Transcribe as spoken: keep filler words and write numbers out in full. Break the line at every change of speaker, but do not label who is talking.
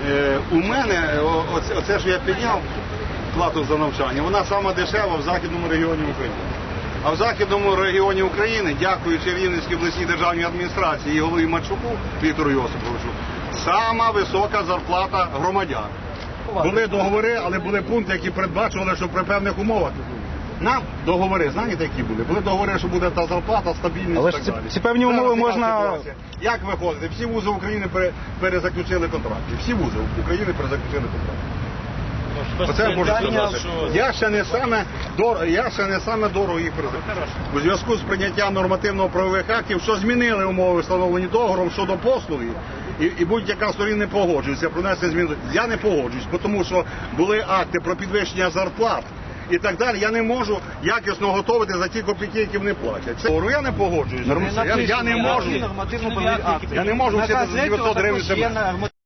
Е, у мене, о, оце, оце що я підняв, плату за навчання, вона сама дешева в Західному регіоні України. А в Західному регіоні України, дякуючи Рівненській обласній державній адміністрації і голові Марчуку Віктору Йосиповичу, сама висока зарплата громадян. Були договори, але були пункти, які передбачували, що при певних умовах. Нам договори, знаєте, які були? Були договори, що буде та зарплата, стабільність
Але
і так
ж ці,
далі.
ці певні умови можна...
Як виходити? Всі вузи України пере, перезаключили контракти. Всі вузи України перезаключили контракти. Оце можу сказати. Я ще не саме дорого, я ще не саме дорого їх перезаключив. У зв'язку з прийняттям нормативно-правових актів, що змінили умови, встановлені договором щодо послуги, і, і будь-яка сторона не погоджується про внесення змін. Я не погоджуюсь, тому що були акти про підвищення зарплат і так далі. Я не можу якісно готувати за ті копійки, які вони платять. Це я не погоджуюсь. Я, я не можу. Я не можу сидіти за дев'ятсот гривень.